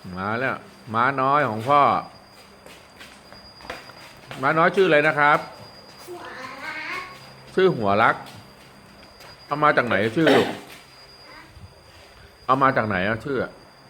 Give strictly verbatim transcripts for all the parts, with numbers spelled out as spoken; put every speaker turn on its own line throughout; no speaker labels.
มาแล้วม้าน้อยของพ่อม้าน้อยชื่ออะไรนะครับชื่อหัวรักเอามาจากไหนชื่อลูกเอามาจากไหนอะชื่อ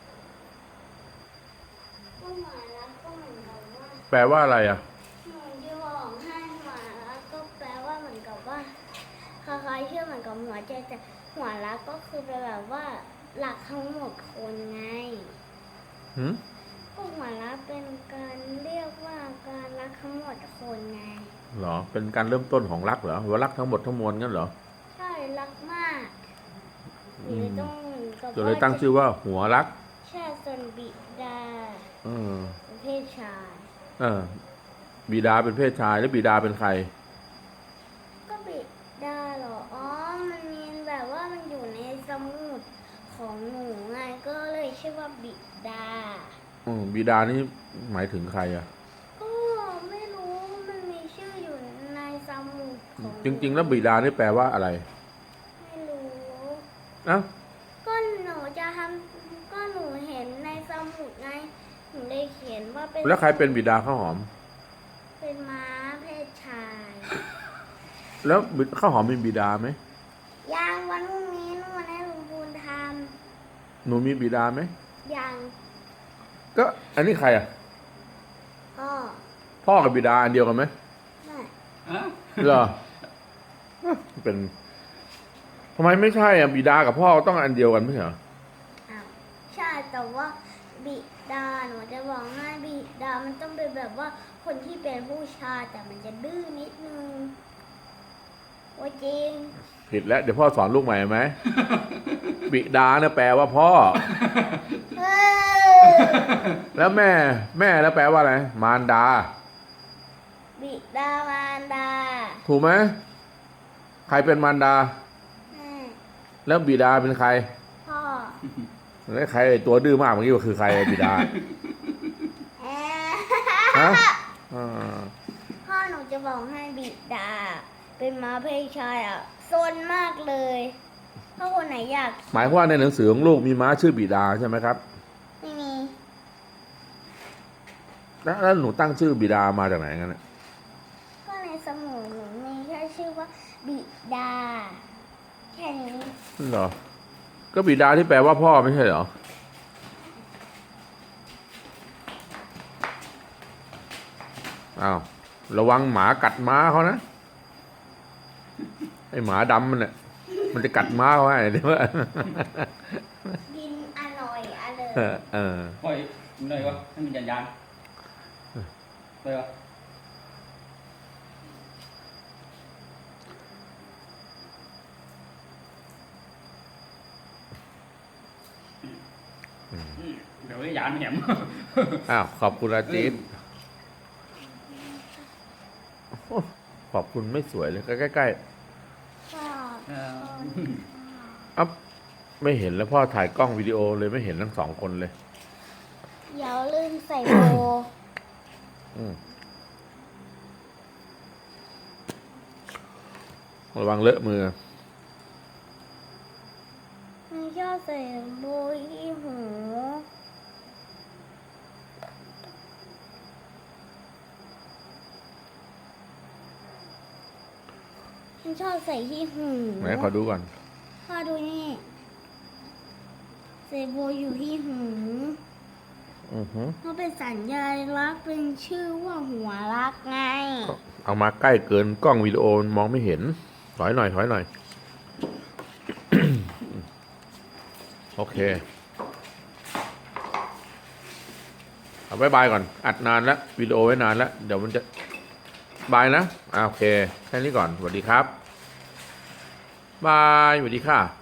แปลว่าอะไรอะ
หนูจะบอกให้หัวรักก็แปลว่าเหมือนกับว่าคล้ายๆชื่อเหมือนกับหัวใจแต่หัวรักก็คือแปลแบบว่ารักทั้งหมดคนไง
หืม
ก็หัวรักเป็นการเรียกว่าการรักทั้งหมดคนไง
เหรอเป็นการเริ่มต้นของรักเหรอว่ารักทั้งหมดทั้งมวลงั้นเหรอ
ใช่รักมากหรือต้อง
ก็เลยตั้งชื่อว่าหัวรัก
ใช่ส่วนบิดา
เออ
เป็นเพศชาย
เออบิดาเป็นเพศชายแล้วบิดาเป็นใคร
ก็บิดาเหรออ๋อมันมีแบบว่ามันอยู่ในสมุดของหนูไงก็เลยชื่อว่าบิดา
อืมบิดานี่หมายถึงใครอะ
ก็ไม่รู้มันมีชื่ออยู่ในสมุดของ
จริงๆแล้วบิดานี่แปลว่าอะไร
ไม่รู้
อ่ะ
ก็หนูจะทำก็หนูเห็นในสมุดไงหนูเลยเขียนว่าเป็น
แล้วใครเป็นบิดาข้าวหอม
เป็นม้าเพศชาย
แล้วข้าวหอมมีบิดาไหม
ยังวันพรุ่งนี้หนูให้ลุงพูนท
ำหนูมีบิดาไหม
ยัง
ก็อันนี้ใครอ่ะ
พ่อ
พ่อกับบิดาอันเดียวกันไหม
ไม่
เหรอเป็นทำไมไม่ใช่อ่ะบิดากับพ่อต้องอันเดียวกันไม่ใช่เหรอ
อ้าวใช่แต่ว่าบิดาหนูจะบอกง่ายบิดามันต้องเป็นแบบว่าคนที่เป็นผู้ชายแต่มันจะดื้อนิดนึงว่าจริง
ผิดแล้วเดี๋ยวพ่อสอนลูกใหม่ไหมบิดาเนี่ยแปลว่าพ่อแล้วแม่แม่แล้วแปลว่าอะไรมารดา
บิดามารดา
ถูกไหมใครเป็นมารดา
แม่
แล้วบิดาเป็นใคร
พ่อ
แล้วใครตัวดื้อมากเมื่อกี้ว่าคือใครบิดาฮะ
พ่อหนูจะบอกให้บิดาเป็นม้าเพศชายอ่ะซนมากเลยถ้าคนไหนอยาก
หมายว่าในหนังสือของลูกมีม้าชื่อบิดาใช่ไหมครับ
ไม่มี
แล้วหนูตั้งชื่อบิดามาจากไหนกันเนี่ย
ก็ในสมุดหนูมีแค่ชื่อว่าบิดาแค่นี้
เหรอก็บิดาที่แปลว่าพ่อไม่ใช่เหรออ้าวระวังหมากัดม้าเขานะไอหมาดำมันเนี่ยมันจะกัดม้าเขาให้เดี๋ยว
กินอร่อยอร่อย
เออเออ
ปล่อยมันเลยวะให้มันยันยันเลยวะเดี๋ยวยันแหม
อ้าวขอบคุณอาทิตย์ขอบคุณไม่สวยเลยใกล้ๆอ๊บไม่เห็นแล้วพ่อถ่ายกล้องวิดีโอเลยไม่เห็นทั้งสองคนเลย
อย่าลืมใส่โบ
ระวังเลอะมือ
ไม่ชอบใส่โบที่หูฉันชอบใส่ที่หู
ไหนขอดูก่อน
พ่อดูนี่ใส่โบอยู่ที่หู
อือฮึ
เพราะเป็นสัญลักษณ์เป็นชื่อว่าหัวรักไง
เอามาใกล้เกินกล้องวิดีโอมองไม่เห็นถอยหน่อยถอยหน่อยโอเคเอาบายบายก่อนอัดนานแล้ววิดีโอไว้นานแล้วเดี๋ยวมันจะบายนะอ่าโอเคแค่นี้ก่อนสวัสดีครับบายสวัสดีค่ะ